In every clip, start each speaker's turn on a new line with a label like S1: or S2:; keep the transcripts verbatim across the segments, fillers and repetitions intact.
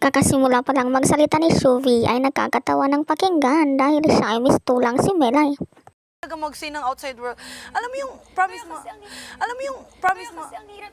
S1: Kakasimula pa lang magsalita ni Shuvi ay nagkakatawa ng pakinggan dahil siya ay mistulang si Melay.
S2: Talaga mag-say ng outside world. Alam mo yung promise mo. Alam mo yung promise mo.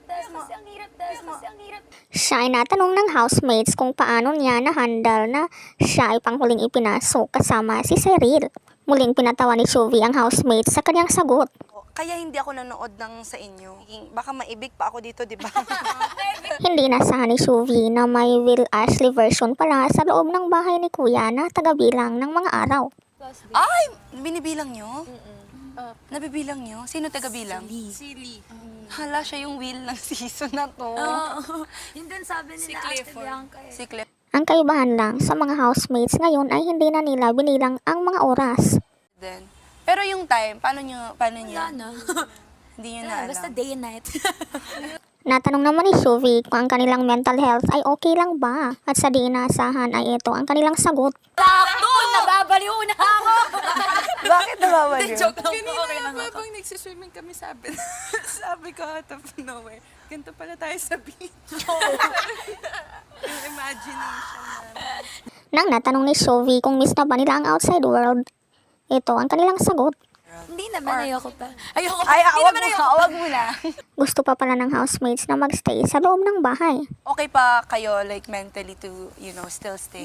S1: Siya ay natanong ng housemates kung paano niya na-handle na siya ay panghuling ipinasok kasama si Cyril. Muling pinatawa ni Shuvi ang housemates sa kanyang sagot.
S2: Kaya hindi ako nanood ng sa inyo. Baka maibig pa ako dito, di ba?
S1: Hindi nasahan ni Shuvi na may Will Ashley version pala sa loob ng bahay ni Kuya na tagabilang ng mga araw.
S2: Ay! Binibilang nyo? Uh, Nabibilang nyo? Sino taga-bilang?
S3: Si Lee.
S2: Hala, siya yung Will ng season na to.
S3: Oo. Yun din sabi
S2: Si
S3: nila Ate
S2: Clifford.
S3: Bianca eh.
S2: Si Cliff.
S1: Ang kaibahan lang sa mga housemates ngayon ay hindi na nila binilang ang mga oras.
S2: Then, pero yung time, paano nyo, paano nyo?
S3: Wala na.
S2: Hindi nyo na
S3: Wala,
S2: alam.
S3: basta day and night.
S1: Natanong naman ni Shuvi kung ang kanilang mental health ay okay lang ba at sa di inaasahan ay ito ang kanilang sagot.
S3: Sakto! Nababaliw na ako!
S2: Bakit nababaliw?
S3: Joke lang.
S4: Kanina
S3: Okay lang
S4: nga
S3: ako.
S4: habang nagsiswimming kami, sabi, sabi ko out of nowhere, ganito pala tayo sa beach. Yung imagination namin.
S1: Nang natanong ni Shuvi kung miss na ba nila ang outside world, ito ang kanilang sagot.
S3: Hindi naman, ayoko pa. Ayoko pa.
S2: Ay,
S3: Hindi
S2: awag
S3: naman
S2: mo
S3: ayoko
S2: na, awag mo na.
S1: Gusto pa pala ng housemates na magstay sa loob ng bahay.
S2: Okay pa kayo, like, mentally to, you know, still stay?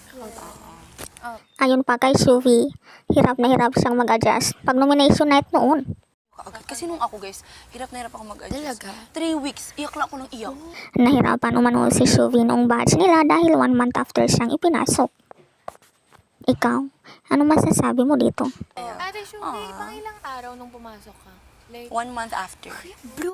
S1: Ayon pa kay Shuvi, hirap na hirap siyang mag-adjust pag nomination night noon.
S2: Agad. Kasi nung ako, guys, hirap na hirap ako mag-adjust.
S3: Talaga?
S2: Three weeks, iyak lang ako ng iyak.
S1: Nahirapan umano si Shuvi noong batch nila dahil one month after siyang ipinasok. Ikaw, ano masasabi mo dito?
S5: Ate Shubi, pang ilang araw nung pumasok ka? Like,
S2: One month after.
S3: Blue